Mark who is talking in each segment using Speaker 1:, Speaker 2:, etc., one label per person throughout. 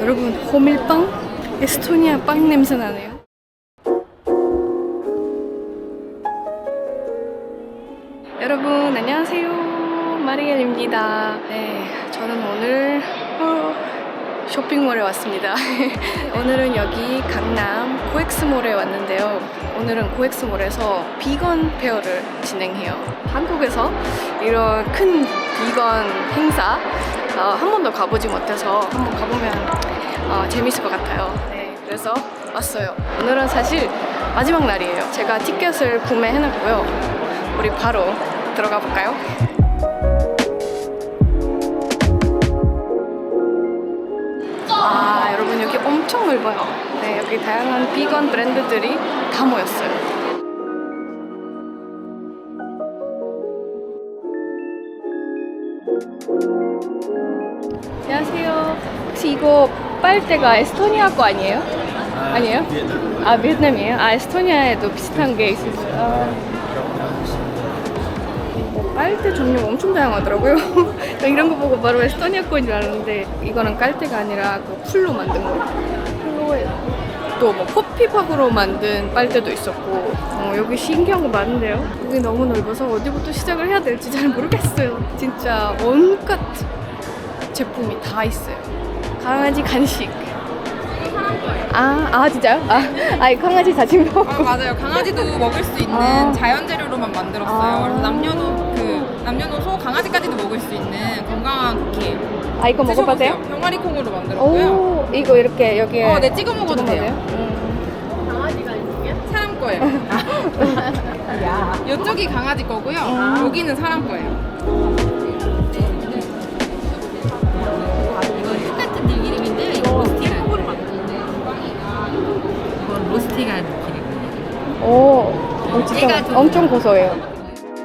Speaker 1: 여러분, 호밀빵? 에스토니아 빵 냄새 나네요. 여러분 안녕하세요, 마리엘입니다. 네, 저는 오늘 쇼핑몰에 왔습니다. 오늘은 여기 강남 코엑스몰에 왔는데요. 오늘은 코엑스몰에서 비건 페어를 진행해요. 한국에서 이런 큰 비건 행사 한 번도 가보지 못해서 한번 가보면 재밌을 것 같아요. 네, 그래서 왔어요. 오늘은 사실 마지막 날이에요. 제가 티켓을 구매해놨고요. 우리 바로 들어가 볼까요? 여러분 여기 엄청 넓어요. 네, 여기 다양한 비건 브랜드들이 다 모였어요. 안녕하세요. 혹시 이거 빨대가 에스토니아 거 아니에요? 아니에요? 아, 베트남이에요? 아, 에스토니아에도 비슷한 게 있어요. 빨대 종류 엄청 다양하더라고요. 이런 거 보고 바로 에스토니아 거인 줄 알았는데 이거는 깔대가 아니라 그 풀로 만든 거. 풀로에 또 뭐 커피팝으로 만든 빨대도 있었고 여기 신기한 거 많은데요. 여기 너무 넓어서 어디부터 시작을 해야 될지 잘 모르겠어요. 진짜 온갖 제품이 다 있어요. 강아지 간식. 진짜요? 강아지 자신거.
Speaker 2: 맞아요. 강아지도 먹을 수 있는 자연 재료로만 만들었어요. 그래서 남녀노소 강아지까지도 먹을 수 있는 건강한 쿠키.
Speaker 1: 이거 먹어봐세요?
Speaker 2: 병아리 콩으로 만들었고요.
Speaker 1: 오, 이거 이렇게 여기에.
Speaker 2: 네, 찍어 먹어도 돼요. 강아지가 있으면? 사람 거예요. 이쪽이 강아지 거고요. 여기는 사람 거예요. 이건 똑같은 들기름인데 이거 로스팅 콩으로 만드는데 이건 로스팅한 기름이에요.
Speaker 1: 진짜 엄청 고소해요.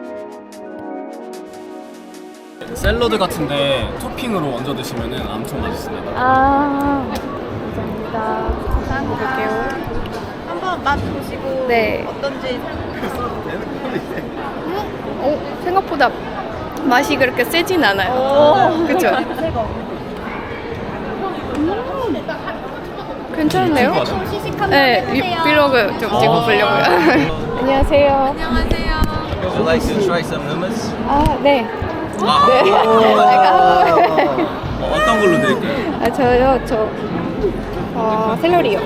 Speaker 3: 샐러드 같은데 토핑으로 얹어 드시면 엄청 맛있습니다.
Speaker 1: 감사합니다. 먹을게요.
Speaker 2: 한번 맛 보시고
Speaker 1: 네.
Speaker 2: 어떤지
Speaker 1: 생각보다 맛이 그렇게 세진 않아요. 그쵸? 괜찮네요. 네, 브이로그 좀 찍어보려고요. 안녕하세요.
Speaker 2: 안녕하세요.
Speaker 4: Would you like to try some hummus?
Speaker 1: 네.
Speaker 4: 네.
Speaker 3: 어떤 걸로 드릴까요?
Speaker 1: 저요? 샐러리요.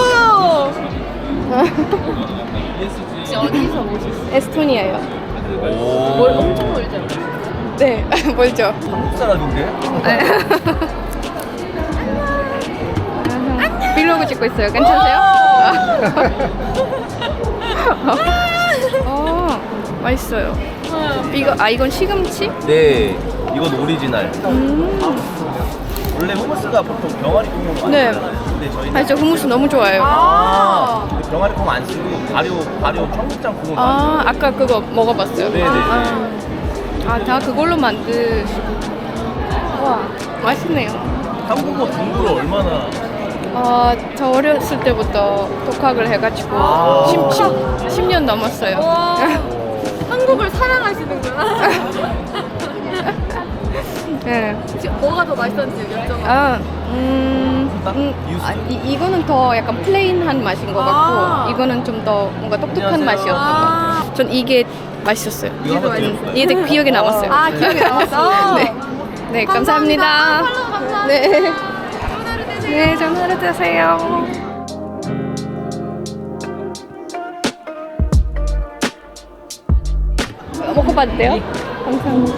Speaker 2: 혹시 어디서 오셨어요?
Speaker 1: 에스토니아요.
Speaker 2: 엄청 멀죠?
Speaker 1: 네, 멀죠?
Speaker 4: 한국 사람인데?
Speaker 1: 브이로그 찍고 있어요. 괜찮으세요? 맛있어요. 이건 시금치?
Speaker 4: 네, 이건 오리지널. 원래 후무스가 보통 병아리 콩으로 만들잖아요. 근데 저희는
Speaker 1: 저 hummus 너무 좋아해요.
Speaker 4: 근데 병아리 콩 안 쓰고 발효 청국장 콩으로 만들어요.
Speaker 1: 아까 그거 먹어봤어요.
Speaker 4: 네네네.
Speaker 1: 다 그걸로 만드시고. 와, 맛있네요.
Speaker 4: 한국어 공부를 얼마나
Speaker 1: 저 어렸을 때부터 독학을 해가지고 10년 넘었어요.
Speaker 2: 한국을 사랑하시는구나.
Speaker 1: 네.
Speaker 2: 뭐가 더 맛있었는지 여쭤봐.
Speaker 1: 이거는 더 약간 플레인한 맛인 것 같고 이거는 좀 더 뭔가 똑똑한 맛이었던 것 같아요. 전 이게 맛있었어요. 이게 되게 기억에 남았어요.
Speaker 2: 기억에 남았어?
Speaker 1: 네, 감사합니다.
Speaker 2: 감사합니다.
Speaker 1: 네. 네, 좋은 하루 되세요. 먹어봐도 돼요? 감사합니다.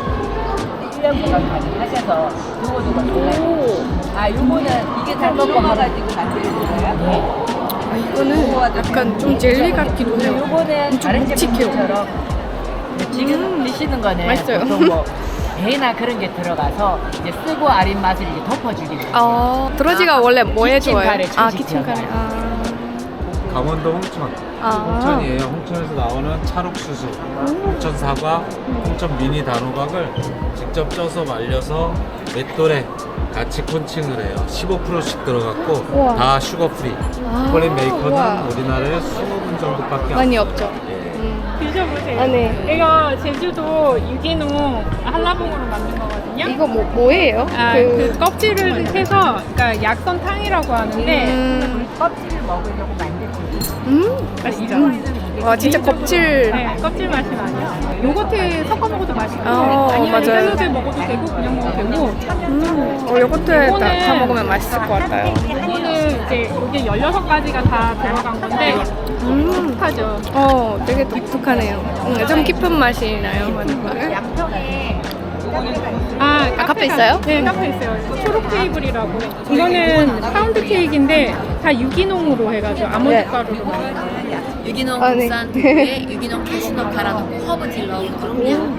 Speaker 5: 하셔서 요거도 골라요. 요거는 이게 다 먹어가지고 만드는 거예요?
Speaker 1: 이거는 약간 좀 젤리 같기도 해요.
Speaker 5: 요거는 다른
Speaker 1: 묵직해요.
Speaker 5: 제품처럼 지금 드시는 거는
Speaker 1: 맛있어요.
Speaker 5: 보통 뭐 배나 그런 게 들어가서 이제 쓰고 아린 맛을 이제 덮어주기 위해서.
Speaker 1: 드러지가 원래 뭐에 좋아요?
Speaker 5: 키친카레,
Speaker 1: 키친카레.
Speaker 6: 강원도 홍천. 홍천이에요. 홍천에서 나오는 찰옥수수, 홍천 사과, 홍천 미니 단호박을 직접 쪄서 말려서 맷돌에 같이 콘칭을 해요. 15%씩 들어갔고
Speaker 1: 우와.
Speaker 6: 다 슈거 프리. 초콜릿 메이커는
Speaker 1: 우와.
Speaker 6: 우리나라에 20분 정도밖에
Speaker 1: 많이
Speaker 6: 안
Speaker 1: 없죠.
Speaker 7: 드셔보세요.
Speaker 1: 네.
Speaker 7: 이거 제주도 유기농 한라봉으로 만든 거거든요.
Speaker 2: 있거든요.
Speaker 1: 이거 뭐예요?
Speaker 2: 그 껍질을 해서 그러니까 약선탕이라고 하는데
Speaker 5: 껍질을 먹으려고 만든 고기.
Speaker 2: 맛있죠?
Speaker 1: 와 진짜 껍질.
Speaker 2: 네, 껍질 맛이 나요. 요거트에 섞어 먹어도 맛있고 아니면
Speaker 1: 맞아요.
Speaker 2: 샐러드에 먹어도 되고 그냥 먹어도 되고
Speaker 1: 요거트에 다
Speaker 2: 이거는-
Speaker 1: 먹으면 맛있을 것 같아요.
Speaker 2: 이거는 이제 여기 16가지가 다 들어간 건데 독특하죠.
Speaker 1: 되게 독특하네요. 좀 깊은 맛이 나요.
Speaker 5: 양평에
Speaker 1: 카페 있어요?
Speaker 2: 네, 카페 있어요. 초록 테이블이라고. 이거는 파운드 케이크인데 다 유기농으로 해가지고 아몬드
Speaker 1: 네.
Speaker 2: 가루로 만든
Speaker 7: 유기농
Speaker 1: 아, 네.
Speaker 7: 국산 두부에 유기농 캐시넛 갈아놓고 허브 딜 넣은 그럼요.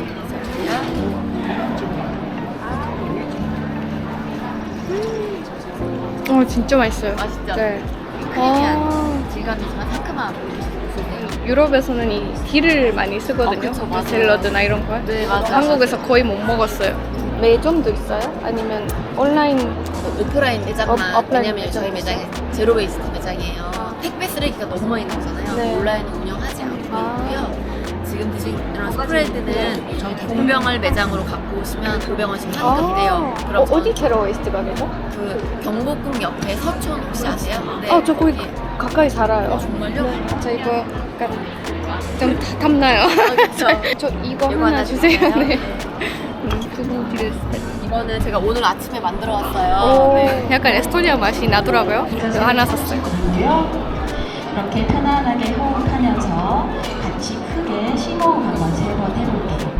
Speaker 1: 진짜 맛있어요.
Speaker 7: 맛있죠?
Speaker 1: 네.
Speaker 7: 크리미한 질감이지만 상큼한
Speaker 1: 유럽에서는 이 딜을 많이 쓰거든요.
Speaker 7: 그쵸, 맞아요.
Speaker 1: 샐러드나 이런 거.
Speaker 7: 네, 맞아요.
Speaker 1: 한국에서 거의 못 먹었어요. 매점도 있어요? 아니면 온라인?
Speaker 7: 오프라인 매장만
Speaker 1: 오프라인
Speaker 7: 왜냐면 저희 매장이 제로 웨이스트 매장이에요. 택배 쓰레기가 너무 많이 나오잖아요.
Speaker 1: 네.
Speaker 7: 온라인은 운영하지 않고 있고요. 지금 드신 이런 스프레드는 저희 대통령을 매장으로 갖고 오시면 500원씩 환급이 돼요. 그럼
Speaker 1: 어디 제로 웨이스트 가게죠?
Speaker 7: 그 경복궁 옆에 서촌 혹시 아세요? 네.
Speaker 1: 저 거기 가까이 살아요.
Speaker 7: 정말요?
Speaker 1: 저 이거 약간 좀 탐나요.
Speaker 7: 그쵸.
Speaker 1: 저 이거
Speaker 7: 이거
Speaker 1: 하나
Speaker 7: 하나
Speaker 1: 주세요.
Speaker 7: 주세요.
Speaker 1: 네. 두부 딜.
Speaker 7: 이거는 제가 오늘 아침에 만들어 왔어요.
Speaker 1: 오,
Speaker 7: 네.
Speaker 1: 약간 에스토니아 맛이 나더라고요. 그래서 하나 샀어요.
Speaker 8: 이렇게 편안하게 호흡하면서 같이 크게 심호흡 한번 3번 해볼게요.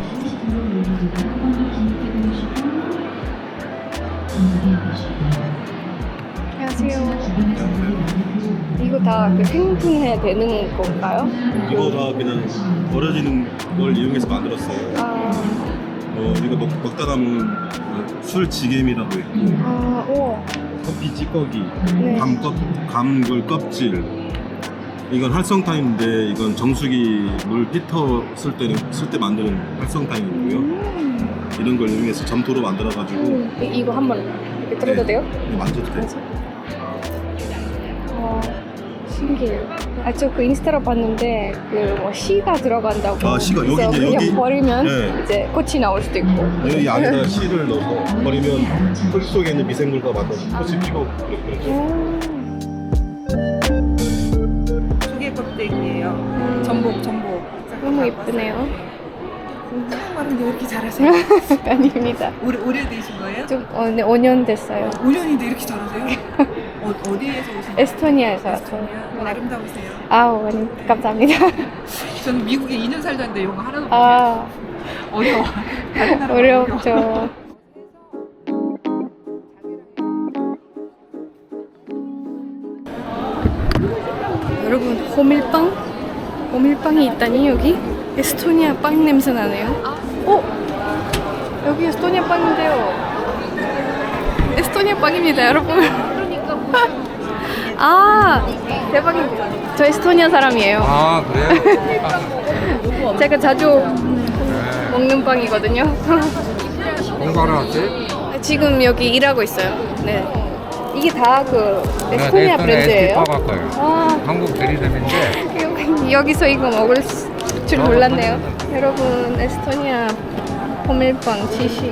Speaker 1: 안녕하세요. 이거 다 그 생분해 되는 건가요?
Speaker 9: 이거 다 그냥 버려지는 걸 이용해서 만들었어요. 우리가 먹다 남은 술 지게미라고 있고
Speaker 1: 우와.
Speaker 9: 커피 찌꺼기,
Speaker 1: 네.
Speaker 9: 감귤 껍질. 이건 활성탄인데 이건 정수기 물 피터 쓸 때 만드는 활성탄이고요. 이런 걸 이용해서 점토로 만들어가지고
Speaker 1: 이거 한번 이렇게 들어도 돼요?
Speaker 9: 만져도 돼요.
Speaker 1: 신기해요. 저 그 인스타로 봤는데 그 뭐 씨가 들어간다고.
Speaker 9: 아, 씨가 여기
Speaker 1: 그래서
Speaker 9: 이제
Speaker 1: 그냥
Speaker 9: 여기-
Speaker 1: 버리면
Speaker 9: 네.
Speaker 1: 이제 꽃이 나올 수도 있고.
Speaker 9: 여기 안에다 씨를 넣어서 버리면 흙 속에 있는 미생물과 맞아서 꽃이 피고 그렇죠.
Speaker 5: 조개 껍데기예요. 전복.
Speaker 1: 너무 예쁘네요.
Speaker 5: 말은 왜 이렇게 잘하세요?
Speaker 1: 아닙니다.
Speaker 5: 오래 되신 거예요?
Speaker 1: 좀 네, 5년 됐어요.
Speaker 5: 5년인데 이렇게 잘하세요? 어디에서 오신 거예요?
Speaker 1: 에스토니아에서 왔어요.
Speaker 5: 아름다우세요.
Speaker 1: 아우, 감사합니다.
Speaker 5: 저는 미국에 2년 살다 했는데 영어 하나도 못해요.
Speaker 1: 아,
Speaker 5: 어려워. 다른 나라
Speaker 1: 어렵죠. 여러분, 호밀빵이 있다니 여기? 에스토니아 빵 냄새 나네요. 여기 에스토니아 빵인데요. 에스토니아 빵입니다, 여러분. 대박입니다. 저 에스토니아 사람이에요.
Speaker 6: 아 그래요?
Speaker 1: 제가 자주 먹는 빵이거든요.
Speaker 6: 공부하러 왔어요?
Speaker 1: 지금 여기 일하고 있어요. 네. 이게 다 그 에스토니아 브랜드예요.
Speaker 6: 갈 거예요. 한국 대리점인데
Speaker 1: 여기서 이거 먹을 줄 몰랐네요. 여러분, 에스토니아 호밀빵 지시.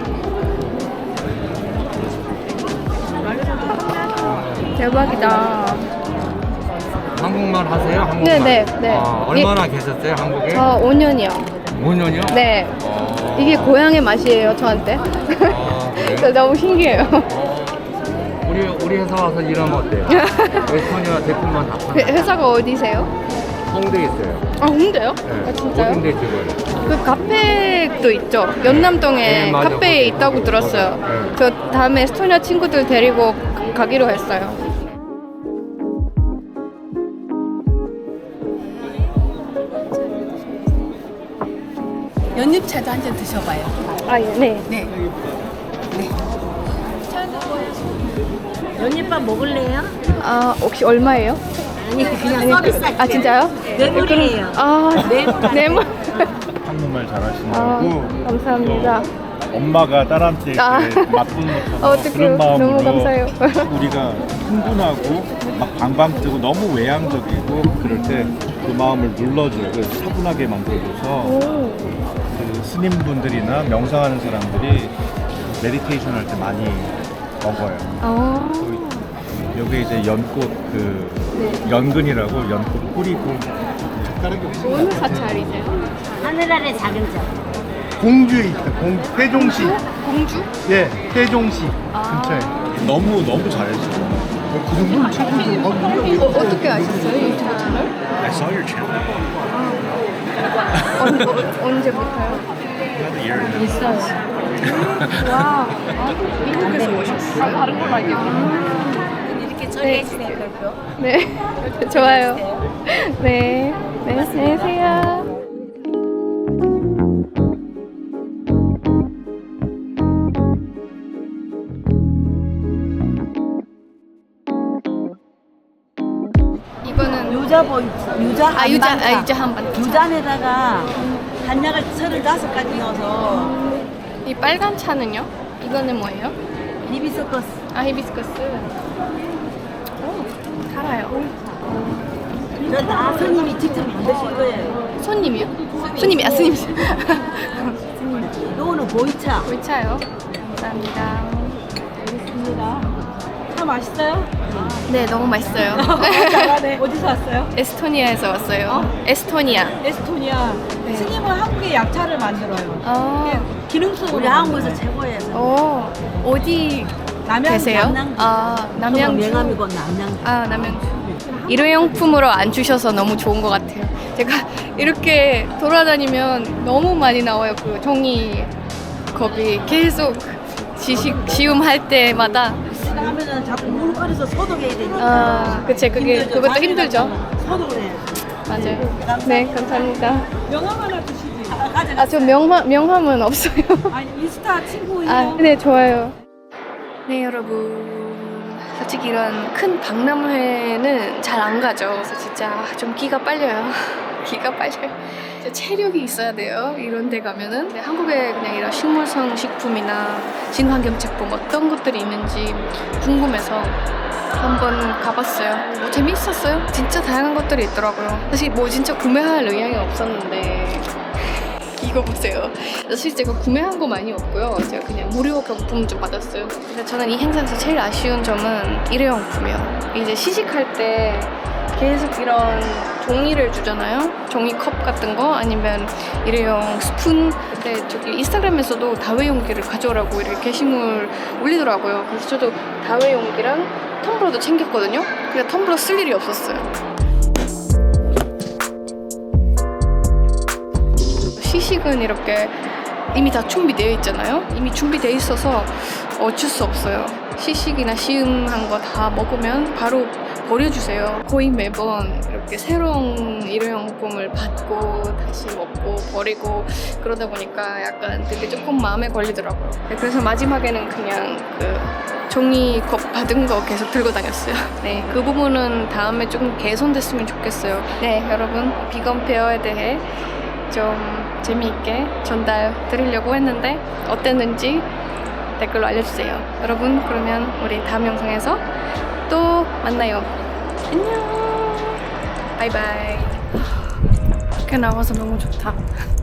Speaker 1: 대박이다.
Speaker 6: 한국말 하세요? 한국말?
Speaker 1: 네.
Speaker 6: 얼마나 계셨어요 한국에?
Speaker 1: 저 5년이요.
Speaker 6: 5년이요?
Speaker 1: 네. 이게 고향의 맛이에요, 저한테. 그래서 너무 신기해요.
Speaker 6: 우리 회사 와서 일하면 어때요? 에스토니아 제품만 다 파는
Speaker 1: 회사가 어디세요?
Speaker 6: 홍대에 있어요.
Speaker 1: 홍대요?
Speaker 6: 네.
Speaker 1: 진짜요?
Speaker 6: 홍대 지금.
Speaker 1: 그 카페도 있죠. 연남동에
Speaker 6: 네, 맞아.
Speaker 1: 카페에
Speaker 6: 거기,
Speaker 1: 있다고
Speaker 6: 거기,
Speaker 1: 들었어요.
Speaker 6: 거기. 네.
Speaker 1: 저 다음에 에스토니아 친구들 데리고 가기로 했어요.
Speaker 7: 연잎차도 한 잔 드셔봐요.
Speaker 1: 네.
Speaker 7: 연잎밥 먹을래요?
Speaker 1: 혹시 얼마예요?
Speaker 7: 아니 그냥 서비스 할게요.
Speaker 1: 진짜요?
Speaker 7: 뇌물이에요.
Speaker 1: 뇌물.
Speaker 9: 한국말 잘하시느라고
Speaker 1: 감사합니다.
Speaker 9: 엄마가 딸한테 이렇게 맛보는 것처럼
Speaker 1: 어떡해요.
Speaker 9: 그런 마음으로
Speaker 1: 너무 감사해요.
Speaker 9: 우리가 흥분하고 막 방방 뜨고 너무 외향적이고 그럴 때 그 마음을 눌러줘요. 그래서 차분하게 만들어줘서 그 스님분들이나 명상하는 사람들이
Speaker 6: 메디테이션 할 때 많이 먹어요. 여기 이제 연꽃 연근이라고 연꽃 뿌리고
Speaker 1: 어느 사찰이세요?
Speaker 5: 하늘 아래 작은 점.
Speaker 6: 공주에 있다. 세종시.
Speaker 1: 공주?
Speaker 6: 예, 세종시 근처에.
Speaker 9: 너무 잘했어. 그 정도는 최고죠.
Speaker 1: 어떻게 아셨어요? 이 사찰을?
Speaker 9: I saw your channel.
Speaker 1: 언제부터요?
Speaker 5: 있어요.
Speaker 1: 와, 미국에서 오셨어요? 다른 걸로 알겠네요.
Speaker 5: 이렇게 처리해주세요, 별표.
Speaker 1: 네, 좋아요. 네, 안녕히 계세요. 이거는
Speaker 5: 유자 보이트. 유자
Speaker 1: 아 유자 한반.
Speaker 5: 유잔에다가 한약을 35가지 넣어서
Speaker 1: 이 빨간 차는요? 이거는 뭐예요?
Speaker 5: 히비스커스.
Speaker 1: 아 히비스커스. 오, 달아요.
Speaker 5: 이건 다 스님이 직접 만드신 거예요.
Speaker 1: 손님이요? 손님이 스님.
Speaker 5: 요거는 보이차.
Speaker 1: 물차요. 감사합니다.
Speaker 5: 알겠습니다. 차 맛있어요?
Speaker 1: 네, 너무 맛있어요.
Speaker 5: 잘하네. 어디서 왔어요?
Speaker 1: 에스토니아에서 왔어요. 에스토니아.
Speaker 5: 에스토니아.
Speaker 1: 네.
Speaker 5: 스님은 한국에 약차를 만들어요.
Speaker 1: 아,
Speaker 5: 기능성으로 우리 한국에서 최고예요.
Speaker 1: 어디 계세요?
Speaker 5: 남양주.
Speaker 1: 아, 남양주.
Speaker 5: 명함이고 남양주.
Speaker 1: 아, 남양주. 일회용품으로 안 주셔서 너무 좋은 것 같아요. 제가 이렇게 돌아다니면 너무 많이 나와요. 그 종이컵이 계속 시음할 때마다.
Speaker 5: 하면은 자꾸 물 끓여서 소독해야 되니까.
Speaker 1: 아, 그치. 그것도 힘들죠.
Speaker 5: 소독을 해요.
Speaker 1: 맞아요. 네, 감사합니다.
Speaker 5: 명함 하나 주시지.
Speaker 1: 아, 저 명함은 없어요.
Speaker 5: 아니 인스타 친구예요.
Speaker 1: 아, 네, 좋아요. 네, 여러분. 솔직히 이런 큰 박람회는 잘 안 가죠. 그래서 진짜 좀 기가 빨려요. 기가 빨려요. 진짜 체력이 있어야 돼요. 이런 데 가면은. 근데 한국에 그냥 이런 식물성 식품이나 친환경 제품 어떤 것들이 있는지 궁금해서 한번 가봤어요. 뭐 재미있었어요. 진짜 다양한 것들이 있더라고요. 사실 뭐 진짜 구매할 의향이 없었는데 이거 보세요. 사실 제가 구매한 거 많이 없고요. 제가 그냥 무료 경품 좀 받았어요. 근데 저는 이 행사에서 제일 아쉬운 점은 일회용품이요. 이제 시식할 때 계속 이런 종이를 주잖아요. 종이컵 같은 거 아니면 일회용 스푼. 근데 저기 인스타그램에서도 다회용기를 가져오라고 이렇게 게시물 올리더라고요. 그래서 저도 다회용기랑 텀블러도 챙겼거든요. 근데 텀블러 쓸 일이 없었어요. 시식은 이렇게 이미 다 준비되어 있잖아요. 이미 준비되어 있어서 어쩔 수 없어요. 시식이나 시음한 거 다 먹으면 바로 버려주세요. 거의 매번 이렇게 새로운 일회용품을 받고 다시 먹고 버리고 그러다 보니까 약간 되게 조금 마음에 걸리더라고요. 그래서 마지막에는 그냥 그 종이컵 받은 거 계속 들고 다녔어요. 네, 그 부분은 다음에 조금 개선됐으면 좋겠어요. 네, 여러분 비건 페어에 대해 좀 재미있게 전달 드리려고 했는데 어땠는지 댓글로 알려주세요. 여러분 그러면 우리 다음 영상에서 또 만나요. 안녕. 바이바이. 이렇게 나와서 너무 좋다.